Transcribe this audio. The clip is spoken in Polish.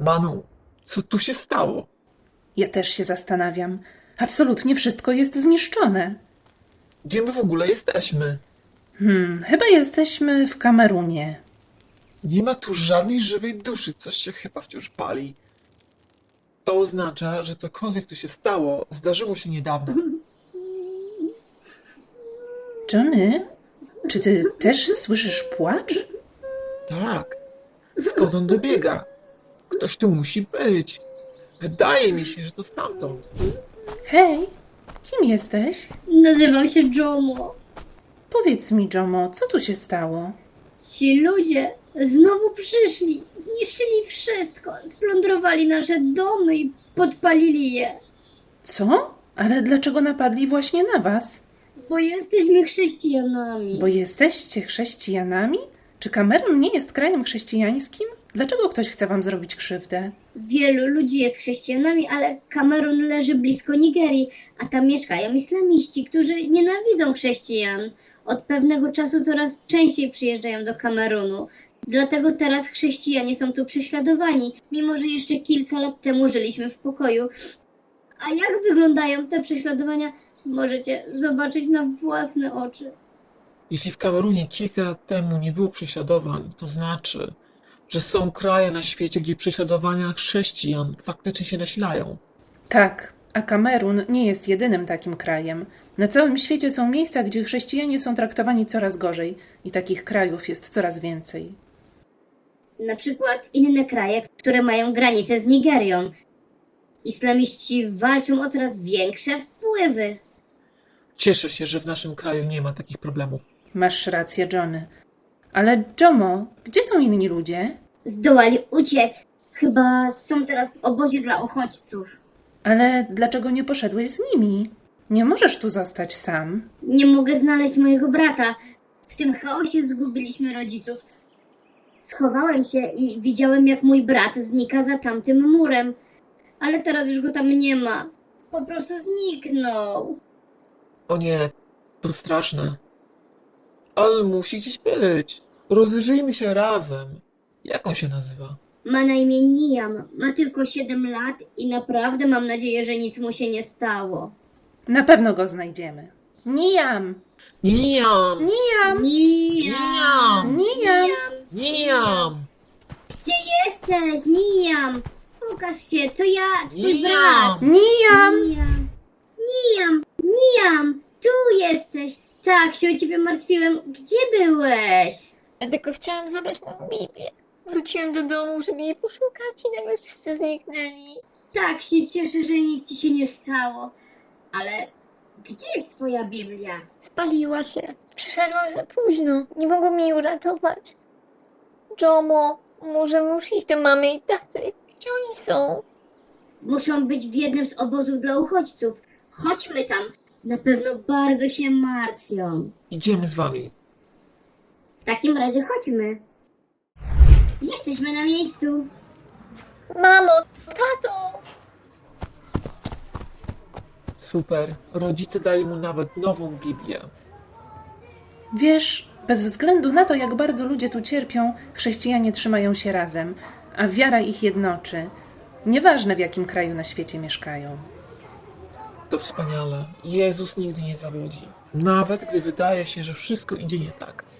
Manu, co tu się stało? Ja też się zastanawiam. Absolutnie wszystko jest zniszczone. Gdzie my w ogóle jesteśmy? Chyba jesteśmy w Kamerunie. Nie ma tu żadnej żywej duszy, coś się chyba wciąż pali. To oznacza, że cokolwiek tu się stało, zdarzyło się niedawno. Johnny, czy ty też słyszysz płacz? Tak. Skąd on dobiega? Ktoś tu musi być. Wydaje mi się, że to stamtąd. Hej, kim jesteś? Nazywam się Jomo. Powiedz mi, Jomo, co tu się stało? Ci ludzie znowu przyszli, zniszczyli wszystko, splądrowali nasze domy i podpalili je. Co? Ale dlaczego napadli właśnie na was? Bo jesteśmy chrześcijanami. Bo jesteście chrześcijanami? Czy Kamerun nie jest krajem chrześcijańskim? Dlaczego ktoś chce wam zrobić krzywdę? Wielu ludzi jest chrześcijanami, ale Kamerun leży blisko Nigerii, a tam mieszkają islamiści, którzy nienawidzą chrześcijan. Od pewnego czasu coraz częściej przyjeżdżają do Kamerunu. Dlatego teraz chrześcijanie są tu prześladowani, mimo że jeszcze kilka lat temu żyliśmy w pokoju. A jak wyglądają te prześladowania, możecie zobaczyć na własne oczy. Jeśli w Kamerunie kilka lat temu nie było prześladowań, to znaczy, że są kraje na świecie, gdzie prześladowania chrześcijan faktycznie się nasilają. Tak, a Kamerun nie jest jedynym takim krajem. Na całym świecie są miejsca, gdzie chrześcijanie są traktowani coraz gorzej i takich krajów jest coraz więcej. Na przykład inne kraje, które mają granicę z Nigerią. Islamiści walczą o coraz większe wpływy. Cieszę się, że w naszym kraju nie ma takich problemów. Masz rację, Johnny. Ale Jomo, gdzie są inni ludzie? Zdołali uciec. Chyba są teraz w obozie dla uchodźców. Ale dlaczego nie poszedłeś z nimi? Nie możesz tu zostać sam. Nie mogę znaleźć mojego brata. W tym chaosie zgubiliśmy rodziców. Schowałem się i widziałem, jak mój brat znika za tamtym murem. Ale teraz już go tam nie ma. Po prostu zniknął. O nie, to straszne. Ale musi gdzieś być. Rozejrzyjmy się razem. Jak on się nazywa? Ma na imię Niam. Ma tylko 7 lat i naprawdę mam nadzieję, że nic mu się nie stało. Na pewno go znajdziemy. Nijam! Niam! Nijam! Niam! Nijam! Niam! Gdzie jesteś, Niam? Pokaż się, to ja, twój Niam! brat. Nijam! Niam, tu jesteś. Tak się o ciebie martwiłem. Gdzie byłeś? Ja tylko chciałam zabrać moją Biblię. Wróciłem do domu, żeby jej poszukać i nagle wszyscy zniknęli. Tak się cieszę, że nic ci się nie stało. Ale gdzie jest twoja Biblia? Spaliła się. Przyszedłem za późno. Nie mogą mnie uratować. Jomo, możemy już iść do mamy i taty. Gdzie oni są? Muszą być w jednym z obozów dla uchodźców. Chodźmy tam. Na pewno bardzo się martwią. Idziemy z wami. W takim razie chodźmy. Jesteśmy na miejscu. Mamo, tato! Super. Rodzice dali mu nawet nową Biblię. Wiesz, bez względu na to, jak bardzo ludzie tu cierpią, chrześcijanie trzymają się razem, a wiara ich jednoczy. Nieważne, w jakim kraju na świecie mieszkają. To wspaniale. Jezus nigdy nie zawodzi. Nawet gdy wydaje się, że wszystko idzie nie tak.